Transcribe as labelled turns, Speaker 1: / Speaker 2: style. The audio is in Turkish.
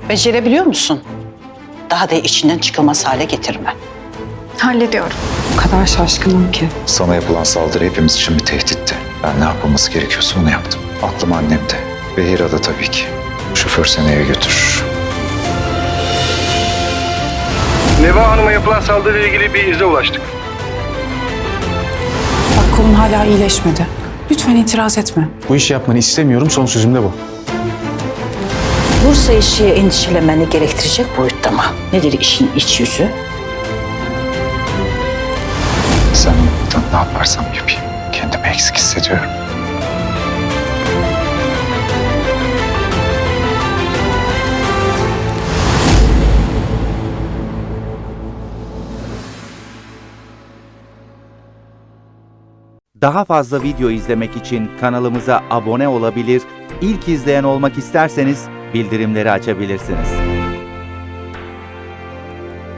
Speaker 1: Becerebiliyor musun? Daha da içinden çıkılmaz hale getirme.
Speaker 2: Hallediyorum.
Speaker 3: O kadar şaşkınım ki.
Speaker 4: Sana yapılan saldırı hepimiz için bir tehditti. Ben ne yapılması gerekiyorsa onu yaptım. Aklım annemde ve Hira'da tabii ki. Şoför seni eve götürür.
Speaker 5: Neva Hanım'a yapılan saldırıyla ilgili bir ize ulaştık.
Speaker 3: Bak kolun hala iyileşmedi. Lütfen itiraz etme.
Speaker 6: Bu işi yapmanı istemiyorum, son sözüm de bu.
Speaker 1: Bursa işi endişelenmeni gerektirecek boyutta mı? Nedir işin iç yüzü?
Speaker 4: Sen olmadan ne yaparsam yapayım. Kendimi eksik hissediyorum.
Speaker 7: Daha fazla video izlemek için kanalımıza abone olabilir, ilk izleyen olmak isterseniz bildirimleri açabilirsiniz.